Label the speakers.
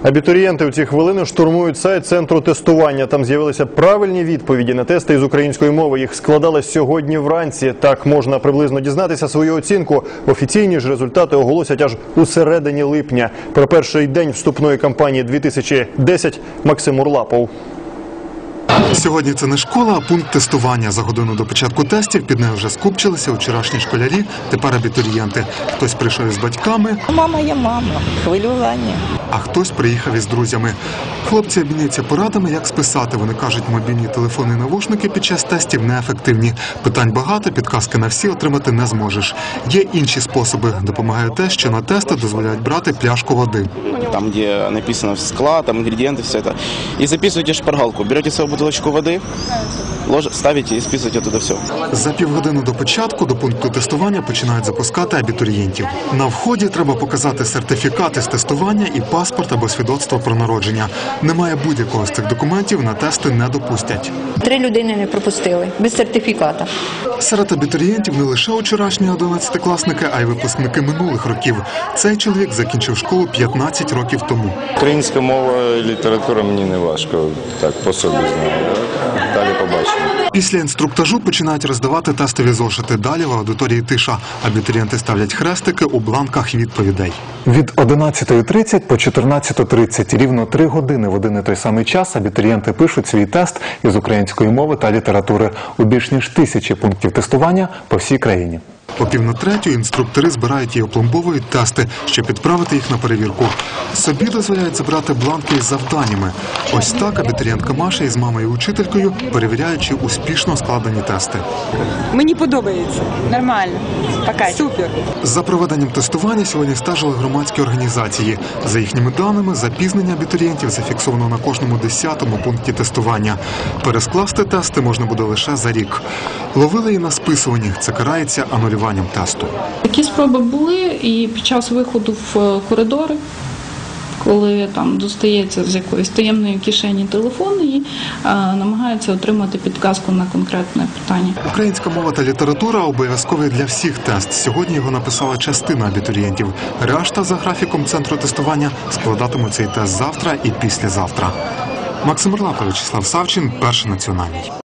Speaker 1: Абітурієнти у ці хвилини штурмують сайт центру тестування. Там з'явилися правильні відповіді на тести із української мови. Їх складали сьогодні вранці. Так можна приблизно дізнатися свою оцінку. Офіційні ж результати оголосять аж у середині липня. Про перший день вступної кампанії 2010 Максим Урлапов.
Speaker 2: Сьогодні це не школа, а пункт тестування. За годину до початку тестів під нею вже скупчилися вчорашні школярі, тепер абітурієнти. Хтось прийшов із батьками,
Speaker 3: Мама є мама, хвилювання.
Speaker 2: а хтось приїхав із друзями. Хлопці обмінюються порадами, як списати. Вони кажуть, мобільні телефони і навушники під час тестів неефективні. Питань багато, підказки на всі отримати не зможеш. Є інші способи. Допомагає те, що на тести дозволяють брати пляшку води.
Speaker 4: Там, где написано склад, там ингредиенты, все это. И записываете шпаргалку. Берете свою бутылочку воды, ставите и списываете оттуда все.
Speaker 2: За півгодини до початку до пункту тестування починають запускати абітурієнтів. На вході треба показати сертифікат із тестування і паспорт або свідоцтво про народження. Немає будь-якого з цих документів, на тести не допустять.
Speaker 5: 3 людини не пропустили, без сертифіката.
Speaker 2: Серед абітурієнтів не лише вчорашні 11-класники, а й випускники минулих років. Цей чоловік закінчив школу 15 років тому.
Speaker 6: Українська мова і література мені не важко, так по собі знаю. Далі побачимо.
Speaker 2: Після інструктажу починають роздавати тестові зошити. Далі в аудиторії тиша. Абітурієнти ставлять хрестики у бланках відповідей. Від 11:30 по 14:30, рівно 3 години в один і той самий час абітурієнти пишуть свій тест із української мови та літератури у більш ніж 1000 пунктів тестування по всій країні. О 2:45 інструктори збирають і опломбовують тести, щоб відправити їх на перевірку. Собі дозволяють забрати бланки із завданнями. Ось так абітурієнтка Маша із мамою і учителькою перевіряють, чи успішно складені тести.
Speaker 7: Мені подобається. Нормально. Пока. Супер.
Speaker 2: За проведенням тестування сьогодні стежили громадські організації. За їхніми даними, запізнення абітурієнтів зафіксовано на кожному 10-му пункті тестування. Перескласти тести можна буде лише за рік. Ловили і на списуванні. Це карається анулюванням тесту.
Speaker 8: Такі спроби були і під час виходу в коридори, коли там достається з якоїсь таємної кишені телефон і намагаються отримати підказку на конкретне питання.
Speaker 2: Українська мова та література обов'язкові для всіх тест. Сьогодні його написала частина абітурієнтів. Решта за графіком центру тестування складатимуть цей тест завтра і післязавтра. Максим Урлапов, Вячеслав Савчин, Перший національний.